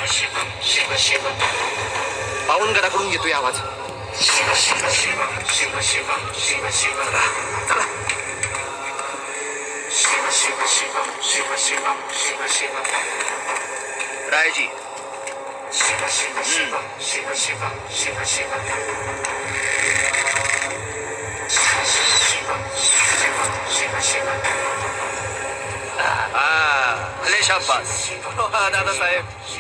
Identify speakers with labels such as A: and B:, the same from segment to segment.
A: पावनगडाकडून येतोय आवाज. रायजी भले शाबास. दादासाहेब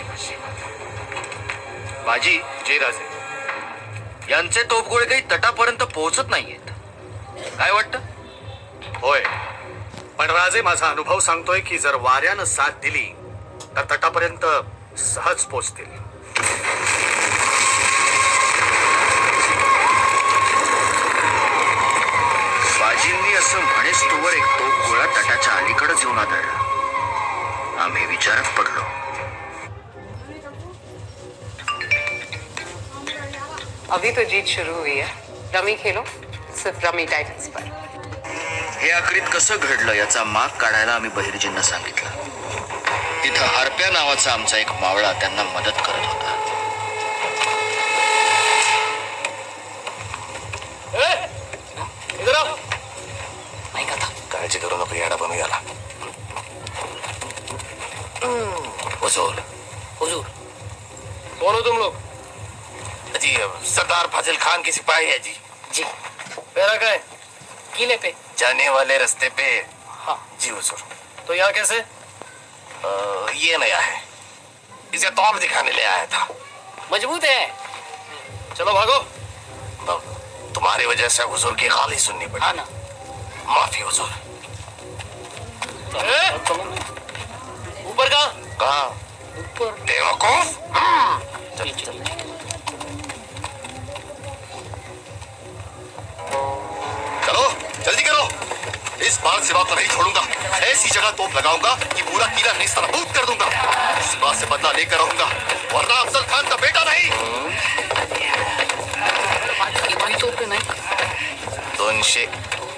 A: बाजी जयराजे यांचे तोफगोळे काही तटापर्यंत पोहोचत नाहीयेत. काय वाटतं?
B: होय, पण राजे माझा अनुभव सांगतोय की जर वाऱ्यानं साथ दिली तर तटापर्यंत सहज पोचतील.
C: बाजींनी असं म्हणेच तोवर एक तोफगोळा तटाच्या अलीकडेच येऊन आदळला. आम्ही विचारात पडलो.
D: अभी तो जीत शुरू हुई है. रमी खेलो, सिर्फ रमी टाइटल्स पर.
C: हे आखरीत कसं घडलं याचा माग काढायला आम्ही बहिर्जींना सांगितलं. तिथं हरप्या नावाचा आमचा एक मावळा त्यांना मदत करत होता.
A: काळजी करू नको, याडा बनू याला. हुजूर हुजूर कौन हो तुम लोग? जी सरदार फाजिल खान की सिपाही है जी. जी मेरा क्या है? किले पे जाने वाले रास्ते पे. हाँ जी हुजूर. तो यहाँ कैसे? ये नया है, इसे तौर दिखाने ले आया था. मजबूत है. चलो भागो. तुम्हारी वजह से हुजूर की गाली सुननी पड़ी. हाँ ना. माफी हुजूर. ऊपर कहाँ? ऊपर बेवकूफ. चल चल चलो जल्दी करो. इस बार सिवा को नहीं छोड़ूंगा. ऐसी जगह तोप लगाऊंगा कि पूरा किला नेस्तनाबूद कर दूंगा. इस बात से बदला लेकर रहूंगा, वरना अफजल खान का बेटा नहीं. 200.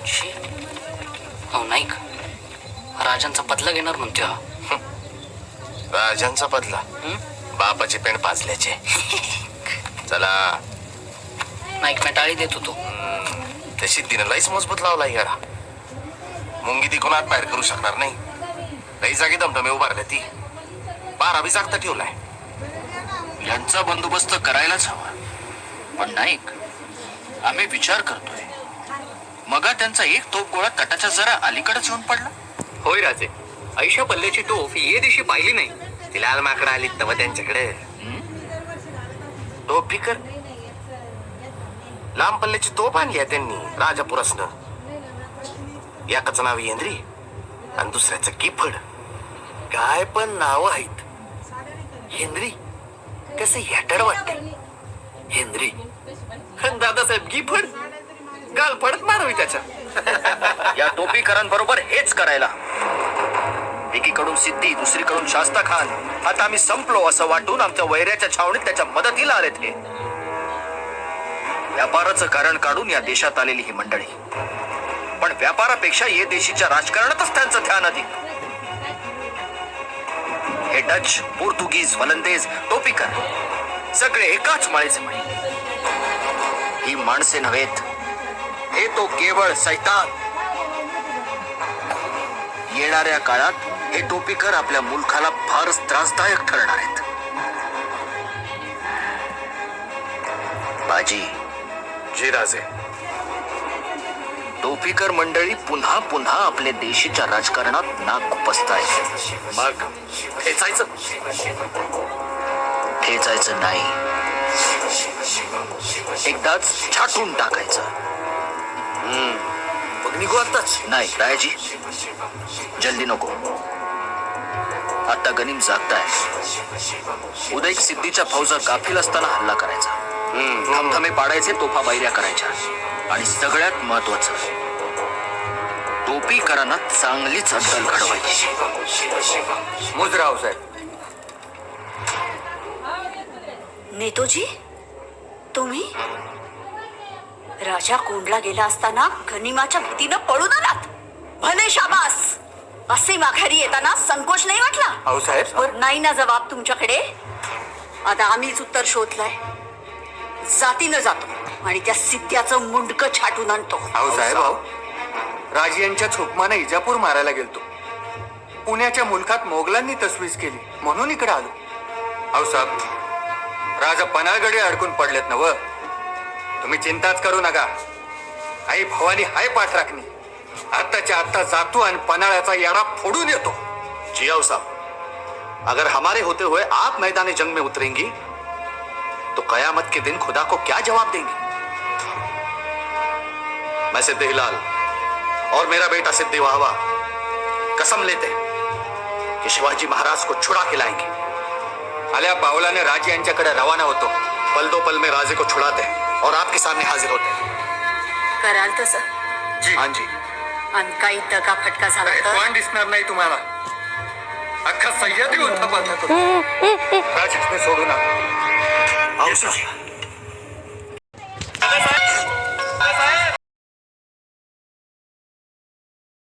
E: अहो नाईक, राजांचा बदला घेणार म्हणतोय हा.
A: राजांचा बदला? बापाचे पेंड पाजल्याचे. चला.
E: नाईक मी टाळी देत होतो.
A: तशी दिनलाईच मजबूत लावला याला. मुंगी ती कोणात बाहेर करू शकणार नाही. काही जागी दमदमे उभारल्या ती. बारा बी जागता ठेवलाय.
C: यांचा बंदोबस्त करायलाच हवा. पण नाईक, आम्ही विचार करतोय, मगा त्यांचा एक तोफगोळा तटाच्या जरा अलीकडेच येऊन पडला.
F: होय राजे, ऐशा पल्ल्याची तोफ ये दिवशी पाहिली नाही. ती लाल माकडं आली तव त्यांच्याकडे.
A: तोफ फिकर लांब पल्ल्याची तोफ आणली आहे त्यांनी राजापुरसनं. एकाचं नाव हेनरी आणि दुसऱ्याचं गिफड.
F: काय पण नाव आहेत. हेनरी कसं याटड वाटते. हेनरी दादासाहेब गिफड गाल पडत मारावी त्याच्या.
C: या टोपीकरांबरोबर हेच करायला. एकीकडून सिद्धी, दुसरीकडून शास्ता खान. आता आम्ही संपलो असं वाटून आमच्या वैऱ्याच्या छावणीत त्याच्या मदतीला आलेत. हे व्यापाराचं कारण काढून या देशात आलेली ही मंडळी. पण व्यापारापेक्षा ये देशीच्या राजकारणातच त्यांचं ध्यान अधिक. हे डच, पोर्तुगीज, वलंदेज, टोपीकर सगळे एकाच माळेचे मणी. ही माणसे नव्हेत, हे तो केवळ सैतान. येणाऱ्या काळात हे टोपीकर आपल्या मुलखाला फारच त्रासदायक ठरणार आहेत. बाजी.
A: जी राजे.
C: टोपीकर मंडळी पुन्हा पुन्हा आपल्या देशीच्या राजकारणात नाक खुपसतायत.
A: मग ठेचायचं?
C: ठेचायचं नाही, एकदाच छाटून टाकायचं.
A: मग निघू आताच?
C: नाही रायाजी, जल्दी नको. आता गनिम जागताय. उद्या एक सिद्धीच्या फौजा गाफील असताना हल्ला करायचा. धमधमे पाडायचे, तोफा बैऱ्या करायच्या. आणि सगळ्यात महत्वाचं, टोपीकरांना चांगलीच अद्दल घडवायची.
F: मुजराव साहेब.
G: नेतोजी, तुम्ही राजा कोंडला गेला असताना गनिमाच्या भीतीनं पळून आलात. भले शाबास. असे माघारी येताना संकोच नाही वाटला?
F: अहो साहेब.
G: नाही ना जबाब तुमच्याकडे. आता आम्हीच उत्तर शोधलंय. जातीनं जातो आणि त्या सिद्ध्याचं मुंडकं छाटून आणतो.
H: अहो साहेब, अहो राज यांच्या हुकमानं इजापूर मारायला गेलतो. पुण्याच्या मुलखात मोगलांनी तसवीज केली म्हणून इकडे आलो. अहो साहेब, राजा पनाळगडे अडकून पडलेत ना व. तुम्ही चिंताच करू नका. आई भवानी हाय पाठ राखणी. आत्ताच्या आत्ता जातो आणि पनाळ्याचा याडा फोडून येतो.
B: जियाओ साहब, अगर हमारे होते हुए आप मैदान जंग में उतरेंगी तो कयामत के दिन खुदा को क्या जवाब देंगी? मैं सिद्ध हिलाल और मेरा बेटा सिद्ध वाहवा कसम लेते हैं कि शिवाजी महाराज को छुड़ा के लाएंगे.
H: आल्या बावलाने राज यांच्याकडे रवाना होतो.
B: पल दो पल में राजे को छुड़ाते हैं और आपके सामने हाजिर होते हैं.
G: कराल तसं.
H: जी
B: हाँ जी.
G: आणि काही दगा फटका झाला तर
H: कोण दिसणार नाही तुम्हाला. अख्खा सह्याद्री उलथापालथा करू. राज सोडू नका.
B: आओ साहब.